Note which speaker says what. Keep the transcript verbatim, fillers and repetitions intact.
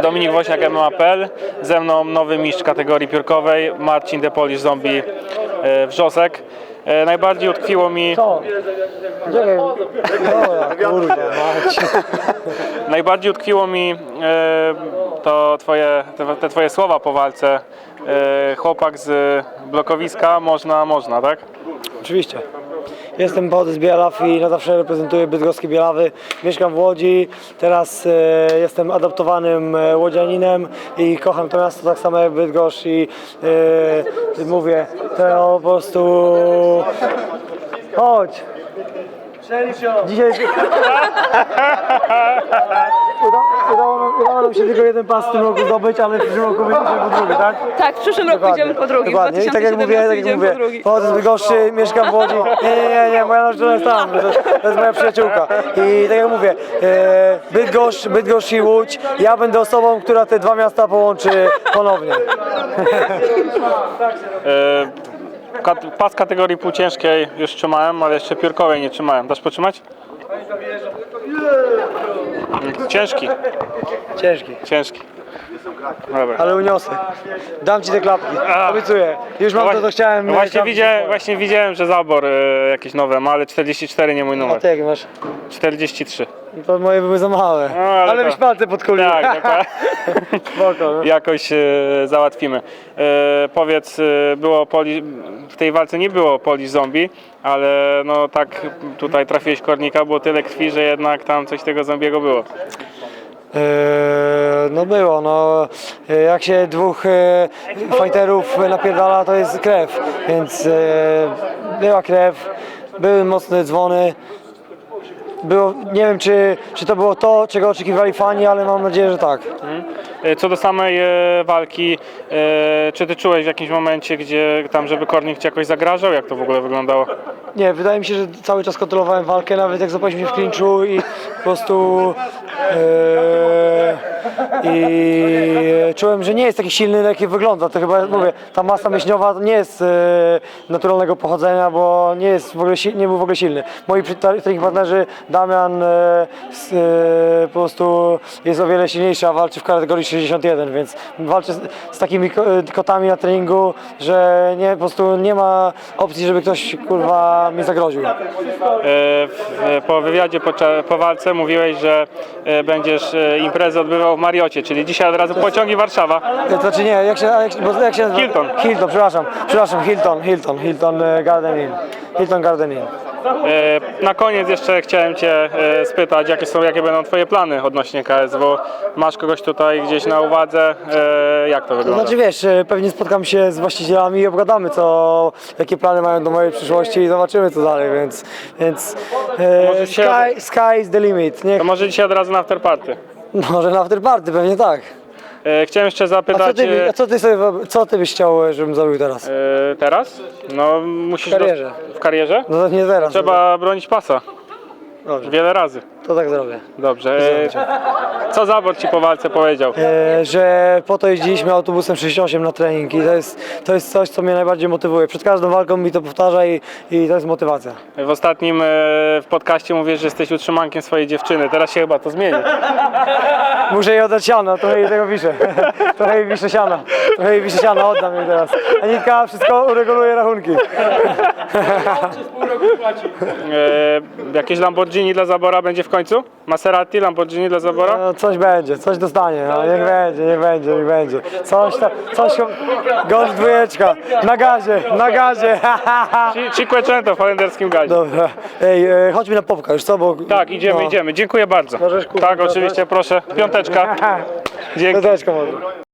Speaker 1: Dominik Woźniak, M M A kropka P L. Ze mną nowy mistrz kategorii piórkowej, Marcin The Polish Zombie Wrzosek. Najbardziej utkwiło mi...
Speaker 2: Co? Czekaj. Dobra, kurwa, mać.
Speaker 1: Najbardziej utkwiło mi e, to twoje, te, te twoje słowa po walce. E, chłopak z blokowiska, można, można, tak?
Speaker 2: Oczywiście. Jestem pochodzę z Bielaw i na zawsze reprezentuję bydgoskie Bielawy. Mieszkam w Łodzi, teraz e, jestem adoptowanym e, łodzianinem i kocham to miasto tak samo jak Bydgoszcz i e, mówię, to po prostu... Chodź! Dzisiaj... Uda, udało, nam, udało nam się tylko jeden pas w tym roku zdobyć, ale w przyszłym roku wyjdziemy po drugi, tak?
Speaker 3: Tak, w przyszłym roku
Speaker 2: Dokładnie,
Speaker 3: idziemy po drugi.
Speaker 2: dokładnie. I tak jak mówię, tak jak mówię, pochodzę z Bydgoszczy, mieszkam w Łodzi. Nie, nie, nie, nie, moja narzeczona jest tam, to, to jest moja przyjaciółka. I tak jak mówię, e, Bydgoszcz, Bydgoszcz i Łódź, ja będę osobą, która te dwa miasta połączy ponownie.
Speaker 1: E, kat, pas kategorii półciężkiej już trzymałem, ale jeszcze piórkowej nie trzymałem. Dasz potrzymać? Ciężki,
Speaker 2: Ciężki,
Speaker 1: ciężki. Dobra.
Speaker 2: ale uniosę. Dam ci te klapki, obiecuję. Już mam to, co chciałem.
Speaker 1: No właśnie,
Speaker 2: chciałem
Speaker 1: widziałem, właśnie widziałem, że zabor e, jakieś nowe ma, ale czterdzieści cztery nie mój
Speaker 2: A
Speaker 1: numer.
Speaker 2: ty jak masz?
Speaker 1: czterdzieści trzy.
Speaker 2: To moje były za małe.
Speaker 1: No, ale
Speaker 2: ale
Speaker 1: to-
Speaker 2: byś palce podkulił.
Speaker 1: Tak, tak.
Speaker 2: Spoko, no.
Speaker 1: Jakoś e, załatwimy. E, powiedz, e, było poli, w tej walce nie było Polish Zombie, ale no tak tutaj trafiłeś kornika, było tyle krwi, że jednak tam coś tego zombiego było.
Speaker 2: Eee, no było, no e, jak się dwóch e, fighterów napierdala, to jest krew, więc e, była krew, były mocne dzwony. Było, nie wiem czy, czy to było to, czego oczekiwali fani, ale mam nadzieję, że tak.
Speaker 1: E, Co do samej e, walki, e, czy ty czułeś w jakimś momencie, gdzie tam, żeby kornik ci jakoś zagrażał? Jak to w ogóle wyglądało?
Speaker 2: Nie, wydaje mi się, że cały czas kontrolowałem walkę, nawet jak zapaliśmy się w klinczu i po prostu e, i czułem, że nie jest taki silny, jaki wygląda. To chyba, mówię, ta masa mięśniowa to nie jest e, naturalnego pochodzenia, bo nie jest w ogóle, si- nie był w ogóle silny. Moi trening partnerzy, Damian e, s, e, po prostu jest o wiele silniejszy, a walczy w kategorii sześćdziesiąt jeden, więc walczy z, z takimi ko- kotami na treningu, że nie, po prostu nie ma opcji, żeby ktoś kurwa mi zagroził.
Speaker 1: E, w, po wywiadzie po, cza- po walce mówiłeś, że e, będziesz e, imprezę odbywał w Mariocie, czyli dzisiaj od razu pociągi Warszawa.
Speaker 2: To znaczy nie, jak się, jak, bo jak się nazywa?
Speaker 1: Hilton.
Speaker 2: Hilton, przepraszam, przepraszam, Hilton, Hilton, Hilton e, Garden Inn. Hilton Garden Inn.
Speaker 1: E, Na koniec jeszcze chciałem Cię e, spytać, jakie są, jakie będą Twoje plany odnośnie K S W? Masz kogoś tutaj gdzieś na uwadze? E, Jak to
Speaker 2: To
Speaker 1: wygląda?
Speaker 2: znaczy wiesz, e, pewnie spotkam się z właścicielami i obgadamy co, jakie plany mają do mojej przyszłości i zobaczymy co dalej, więc, więc e,
Speaker 1: Może się-
Speaker 2: sky, sky is the limit. Niech,
Speaker 1: To może dzisiaj od razu na afterparty.
Speaker 2: może na afterparty, pewnie tak.
Speaker 1: E, Chciałem jeszcze
Speaker 2: A co
Speaker 1: zapytać...
Speaker 2: ty, by-
Speaker 1: e,
Speaker 2: a co ty, sobie, wyob- co ty byś chciał, żebym zrobił teraz?
Speaker 1: e, Teraz? No musisz...
Speaker 2: W karierze.
Speaker 1: W karierze?
Speaker 2: No to nie teraz.
Speaker 1: Trzeba bronić pasa.
Speaker 2: Dobrze,
Speaker 1: Wiele razy.
Speaker 2: to tak zrobię.
Speaker 1: Dobrze. E, Co Zabor Ci po walce powiedział?
Speaker 2: E, że po to jeździliśmy autobusem sześćdziesiąt osiem na trening i to jest, to jest coś, co mnie najbardziej motywuje. Przed każdą walką mi to powtarza i, i to jest motywacja.
Speaker 1: W ostatnim e, w podcaście mówisz, że jesteś utrzymankiem swojej dziewczyny. Teraz się chyba to zmieni.
Speaker 2: Muszę jej oddać siano, trochę jej tego wiszę. Trochę jej wiszę siana. Trochę jej wiszę siana, oddam jej teraz. Anitka wszystko ureguluje rachunki.
Speaker 1: E, jakieś Lamborghini dla Zabora będzie w końcu? Maserati, Lamborghini dla Zabora?
Speaker 2: No, coś będzie, coś dostanie, no, niech będzie, niech będzie, niech będzie. Coś tam, coś, golf dwójeczka, na gazie, na gazie.
Speaker 1: Ci- Cinquecento w holenderskim gazie.
Speaker 2: Dobra, ej, e, chodźmy na popka już, co? Bo,
Speaker 1: Tak, idziemy,
Speaker 2: no.
Speaker 1: idziemy. Dziękuję bardzo.
Speaker 2: Możesz kupić
Speaker 1: Tak,
Speaker 2: to
Speaker 1: oczywiście, proszę. Piąteczka. Dzięki.
Speaker 2: Piąteczka może.